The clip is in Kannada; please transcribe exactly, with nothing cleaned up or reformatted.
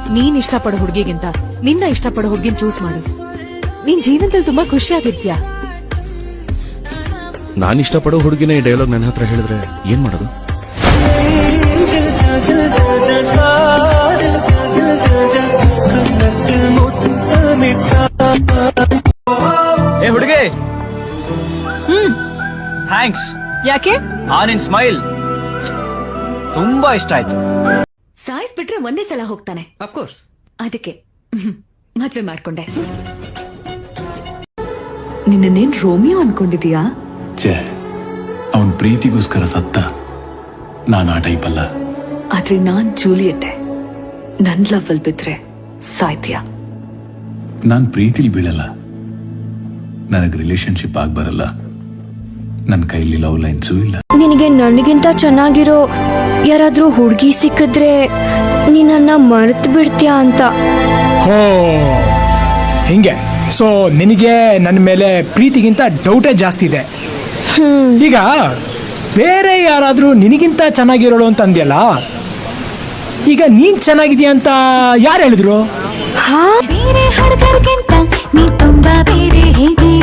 ನೀನ್ ಇಷ್ಟಪಡೋ ಹುಡುಗಿಗಿಂತ ನಿನ್ನ ಇಷ್ಟಪಡೋ ಹುಡುಗಿನ ಚೂಸ್ ಮಾಡು. ನೀನ್ ಜೀವನದಲ್ಲಿ ತುಂಬಾ ಖುಷಿಯಾಗಿರ್ತೀಯ. ನಾನ್ ಇಷ್ಟಪಡೋ ಹುಡುಗಿನ ಈ ಡೈಲಾಗ್ ನನ್ನ ಹತ್ರ ಹೇಳಿದ್ರೆ ಏನ್ ಮಾಡೋದು? ಏ ಹುಡುಗಿ, ಹ್ಮ್ ಥ್ಯಾಂಕ್ಸ್. ಯಾಕೆ? ಆ ನಿನ್ ಸ್ಮೈಲ್ ತುಂಬಾ ಇಷ್ಟ ಆಯ್ತು. ಸಾಯಿಸ್ಬಿಟ್ರೆ ಒಂದೇ ಸಲ ಹೋಗ್ತಾನೆ, ಅಫ್ಕೋರ್ಸ್. ಅದಕ್ಕೆ ಮದ್ವೆ ಮಾಡ್ಕೊಂಡೆ. ನಿನ್ನೇನ್ ರೋಮಿಯೋ ಅನ್ಕೊಂಡಿದೀಯಾ? ಛೇ, ಅವನ್ ಪ್ರೀತಿಗೋಸ್ಕರ ಸತ್ತ. ನಾನು ಆ ಟೈಪ್ ಅಲ್ಲ. ಆದ್ರೆ ನಾನ್ ಜೂಲಿಯಟ್ಟೆ. ನನ್ ಲವ್ ಅಲ್ಲಿ ಬಿದ್ರೆ ಸಾಯ್ತೀಯ. ನಾನ್ ಪ್ರೀತಿಲಿ ಬೀಳಲ್ಲ. ನನಗ್ ರಿಲೇಶನ್ಶಿಪ್ ಆಗ್ ಬರಲ್ಲ. ನನ್ ಕೈಲಿ ಲವ್ ಲೈನ್ಸು ಇಲ್ಲ. ನಿನಗೆ ನನಗಿಂತ ಚೆನ್ನಾಗಿರೋ ಯಾರಾದ್ರೂ ಹುಡುಗಿ ಸಿಕ್ಕಿದ್ರೆ ನೀನನ್ನ ಮರೆತು ಬಿಡ್ತೀಯಾ ಅಂತ. ಓ ಹಿಂಗೆ. ಸೊ ನಿನಗೆ ನನ್ನ ಮೇಲೆ ಪ್ರೀತಿಗಿಂತ ಡೌಟೇ ಜಾಸ್ತಿ ಇದೆ. ಈಗ ಬೇರೆ ಯಾರಾದ್ರೂ ನಿನಗಿಂತ ಚೆನ್ನಾಗಿರೋಳು ಅಂತ ಅಂದ್ಯಲ್ಲ, ಈಗ ನೀನ್ ಚೆನ್ನಾಗಿದ್ಯಾ ಅಂತ ಯಾರು ಹೇಳಿದ್ರು? ಹಾ, ಬೇರೆ ಹುಡುಗರಿಗಿಂತ ನೀ ತುಂಬಾ ಬೇರೆ ಹೇಗೆ